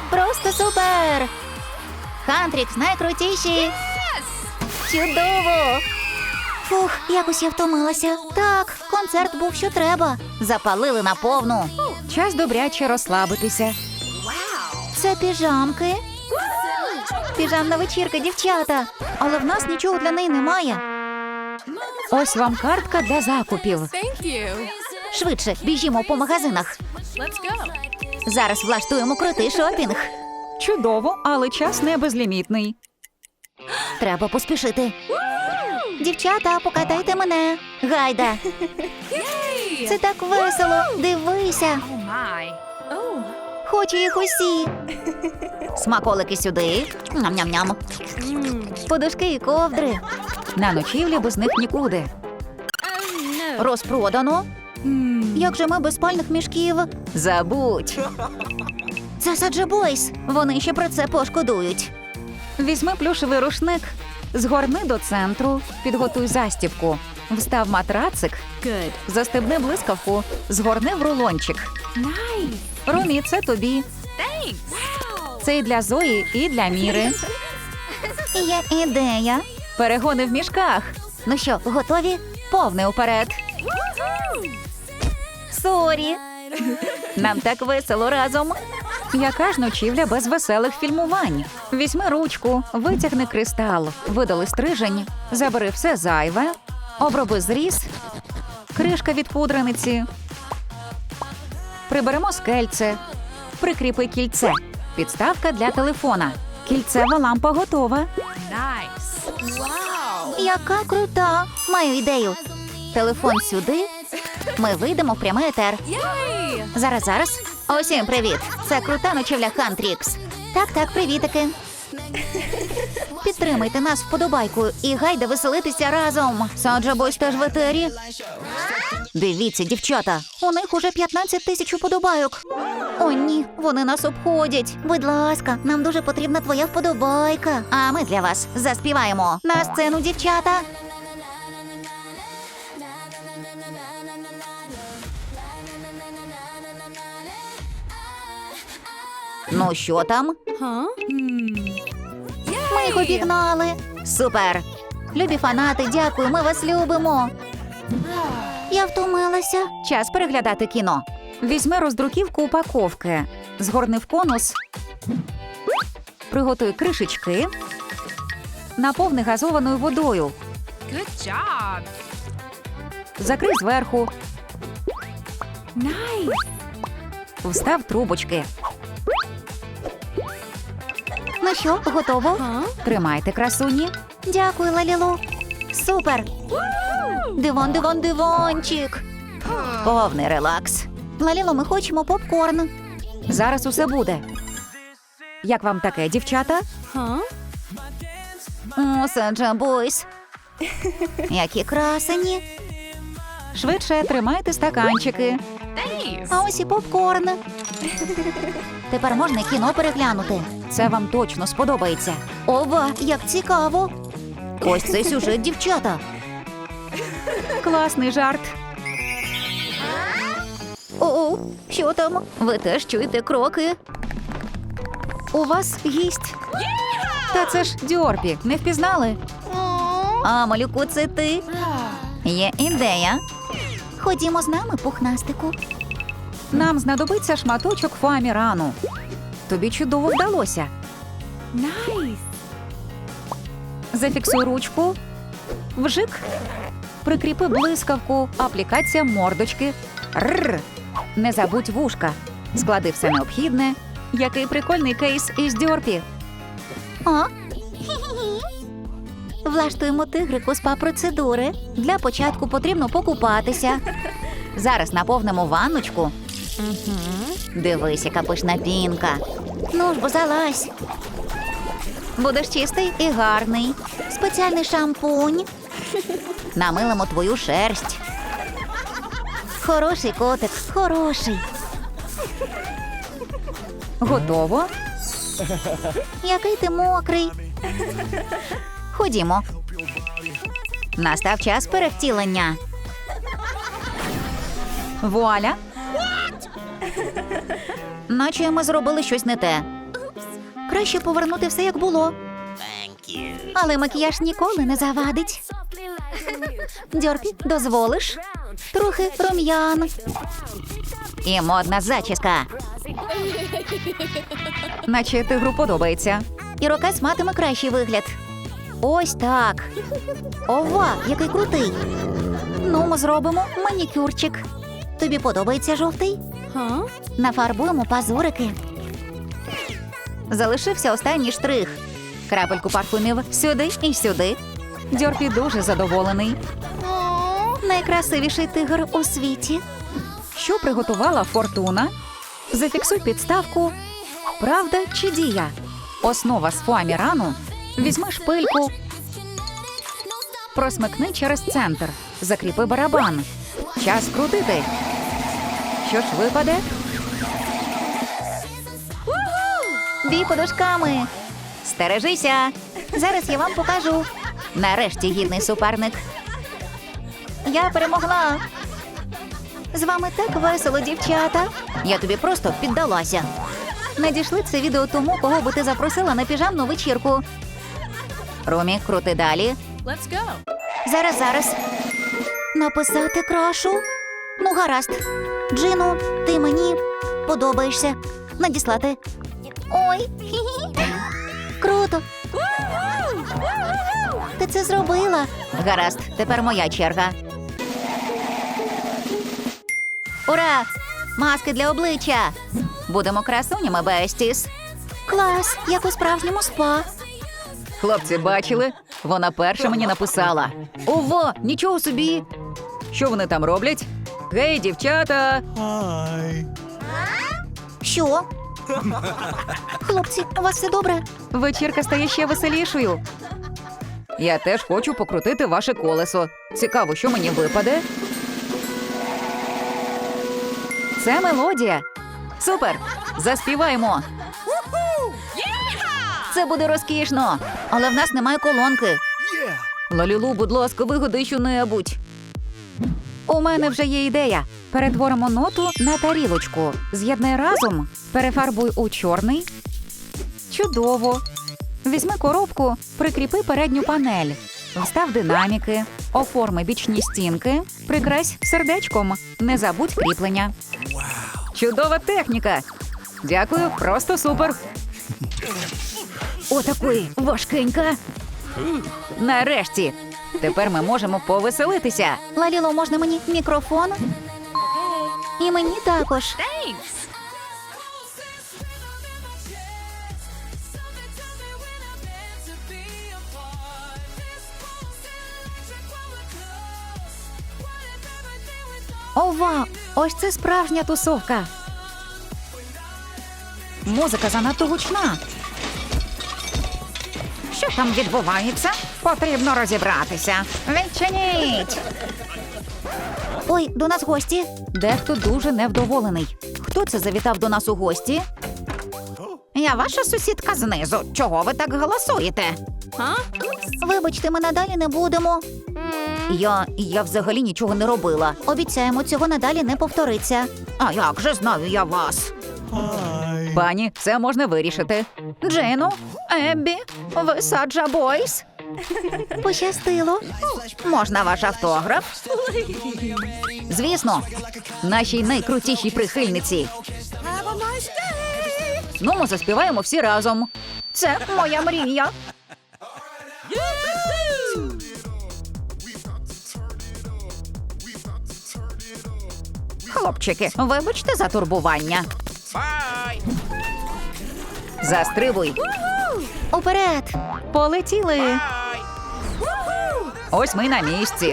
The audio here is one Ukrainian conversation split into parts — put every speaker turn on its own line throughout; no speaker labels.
Просто супер! Хантрікс найкрутіші! Чудово! Фух, якось я втомилася. Так, концерт був що треба. Запалили на повну.
Час добряче розслабитися.
Це піжамки. Піжамна вечірка, дівчата. Але в нас нічого для неї немає.
Ось вам картка для закупів.
Thank you.
Швидше, біжімо по магазинах.
Let's go.
Зараз влаштуємо крутий шопінг.
Чудово, але час не безлімітний.
Треба поспішити. Дівчата, покатайте мене. Гайда. Це так весело. Дивися.
Oh my. Oh.
Хочу їх усі. Смаколики сюди. Ням-ням-ням. Подушки і ковдри.
На ночівлі без них нікуди.
Розпродано. Як же ми без спальних мішків?
Забудь.
Це Саджа Бойс. Вони ще про це пошкодують.
Візьми плюшевий рушник, згорни до центру, підготуй застібку. Встав матрацик,
Good.
застебни блискавку, згорни в рулончик.
Nice.
Ромі, це тобі.
Thanks. Wow.
Це і для Зої, і для Міри.
Є ідея.
Перегони в мішках.
Ну що, готові?
Повне уперед.
Сорі.
Нам так весело разом. Яка ж ночівля без веселих фільмувань? Візьми ручку, витягни кристал, видали стрижень, забери все зайве, оброби зріз, кришка від пудрениці. Приберемо скельце, прикріпи кільце, підставка для телефона. Кільцева лампа готова.
Nice. Wow.
Яка крута. Маю ідею. Телефон сюди. Ми вийдемо в прямий етер.
Yay.
Зараз. Усім привіт. Це крута ночівля Хантрікс. Так, привітики. Підтримайте нас вподобайкою і гайда веселитися разом. Саджа Бойс теж в етері. Дивіться, дівчата, у них уже 15 тисяч вподобайок. О, ні, вони нас обходять. Будь ласка, нам дуже потрібна твоя вподобайка. А ми для вас заспіваємо. На сцену, дівчата. Ну що там?
Huh?
Ми їх обігнали. Супер! Любі фанати, дякую, ми вас любимо. Я втомилася.
Час переглядати кіно. Візьми роздруківку упаковки, згорни в конус, приготуй кришечки, наповни газованою водою,
Good job.
закрий зверху,
Nice.
встав трубочки.
Ну що, готово?
Huh?
Тримайте, красуні.
Дякую, Лалілу. Супер! Дивончик.
Повний релакс.
Лаліло, ми хочемо попкорн.
Зараз усе буде. Як вам таке, дівчата?
Huh?
О, Саджа Бойс. Які красені.
Швидше тримайте стаканчики.
Thanks.
А ось і попкорн. Тепер можна кіно переглянути.
Це вам точно сподобається.
Ова, як цікаво. Ось цей сюжет, дівчата.
Класний жарт.
О, що там? Ви теж чуєте кроки?
У вас гість. Та це ж Дьорпі, не впізнали?
А, малюку, це ти? Є ідея. Ходімо з нами, пухнастику.
Нам знадобиться шматочок фоамірану. Тобі чудово вдалося.
Nice.
Зафіксуй ручку. Вжик. Прикріпи блискавку. Аплікація мордочки. Рррр. Не забудь вушка. Склади все необхідне. Який прикольний кейс із Дьорпі.
О, влаштуємо тигрику спа-процедури. Для початку потрібно покупатися. Зараз наповнимо ванночку. Дивись, яка пишна пінка. Ну ж бо залазь. Будеш чистий і гарний. Спеціальний шампунь. Намилимо твою шерсть. Хороший котик, хороший.
Готово.
Який ти мокрий. Ходімо. Настав час перевтілення.
Вуаля.
Наче ми зробили щось не те. Краще повернути все, як було. Але макіяж ніколи не завадить. Дьорпі, дозволиш? Трохи рум'ян. І модна зачіска.
Наче тигру подобається.
Ірокез матиме кращий вигляд. Ось так. Ова, який крутий. Ну, ми зробимо манікюрчик. Тобі подобається жовтий? Нафарбуємо пазурики. Залишився останній штрих. Крапельку парфумів сюди і сюди.
Дьорпі дуже задоволений.
Найкрасивіший тигр у світі.
Що приготувала Фортуна? Зафіксуй підставку. Правда чи дія? Основа з фоамірану. Візьми шпильку. Просмикни через центр. Закріпи барабан. Час крутити. Що ж випаде?
Бій подушками. Стережися. Зараз я вам покажу. Нарешті гідний суперник. Я перемогла. З вами так весело, дівчата. Я тобі просто піддалася. Надійшли це відео тому, кого би ти запросила на піжамну вечірку. Румі, крути далі.
Let's go.
Зараз. Написати крашу? Ну, гаразд. Джину, ти мені подобаєшся. Надіслати. Ой. Круто. Ти це зробила. Гаразд, тепер моя черга. Ура! Маски для обличчя. Будемо красунями, Бестіс. Клас, як у справжньому спа.
Хлопці, бачили? Вона перша мені написала. Ого, нічого собі! Що вони там роблять? Гей, дівчата!
Що? Хлопці, у вас все добре?
Вечірка стає ще веселішою. Я теж хочу покрутити ваше колесо. Цікаво, що мені випаде? Це мелодія. Супер! Заспіваємо!
Це буде розкішно. Але в нас немає колонки.
Лалілу, будь ласка, вигадай що-небудь. У мене вже є ідея. Перетворимо ноту на тарілочку. З'єднай разом, перефарбуй у чорний. Чудово. Візьми коробку, прикріпи передню панель. Встав динаміки, оформи бічні стінки, прикрась сердечком. Не забудь кріплення. Чудова техніка. Дякую, просто супер. Отакої важкенька. Нарешті. Тепер ми можемо повеселитися.
Лаліло, можна мені мікрофон? І мені також.
Thanks.
Ова, ось це справжня тусовка. Музика занадто гучна. Що там відбувається? Потрібно розібратися. Відчиніть!
Ой, до нас гості.
Дехто дуже невдоволений. Хто це завітав до нас у гості? Я ваша сусідка знизу. Чого ви так голосуєте?
Вибачте, ми надалі не будемо.
Я взагалі нічого не робила.
Обіцяємо, цього надалі не повториться.
А як же знаю я вас? Пані, це можна вирішити. Джейну, Еббі, ви Саджа Бойс?
Пощастило.
Можна ваш автограф? Звісно, нашій найкрутішій прихильниці. Ну, ми заспіваємо всі разом. Це моя мрія. Хлопчики, вибачте за турбування. Застрибуй.
Уперед.
Полетіли. Ось ми на місці.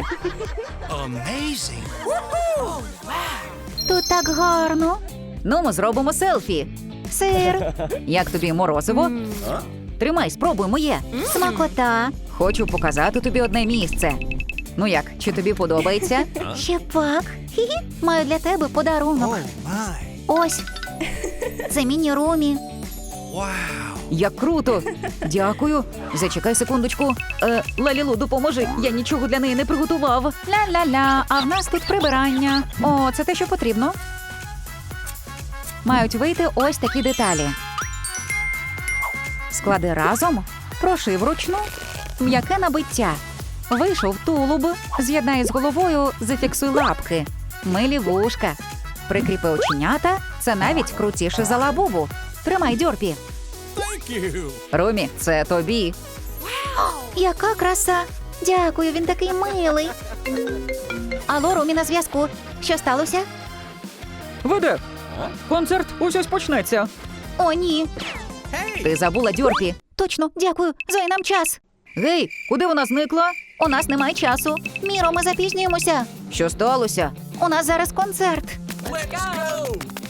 Тут так гарно.
Ну, ми зробимо селфі.
Сир,
Як тобі морозиво? Тримай, спробуй моє.
смакота.
Хочу показати тобі одне місце. Ну як, чи тобі подобається?
Ще пак. Хі-хі. Маю для тебе подарунок. Ось. Це міні-румі.
Як круто! Дякую. Зачекай секундочку. Лалілу, допоможи. Я нічого для неї не приготував. Ля-ля-ля, а в нас тут прибирання. О, це те, що потрібно. Мають вийти ось такі деталі. Склади разом, прошив вручну, м'яке набиття. Вийшов тулуб, з'єднай з головою, зафіксуй лапки. Милі вушка. Прикріпи оченята, це навіть крутіше за лабубу. Тримай, Дьорпі. Румі, це тобі.
Яка краса! Дякую, він такий милий. Алло, Румі на зв'язку. Що сталося?
Веде. Концерт ось почнеться.
О, ні.
Ти забула, Дьорпі.
Точно, дякую. Зої, нам час.
Гей, куди вона зникла?
У нас немає часу. Міро, ми запізнюємося.
Що сталося?
У нас зараз концерт.
Let's go!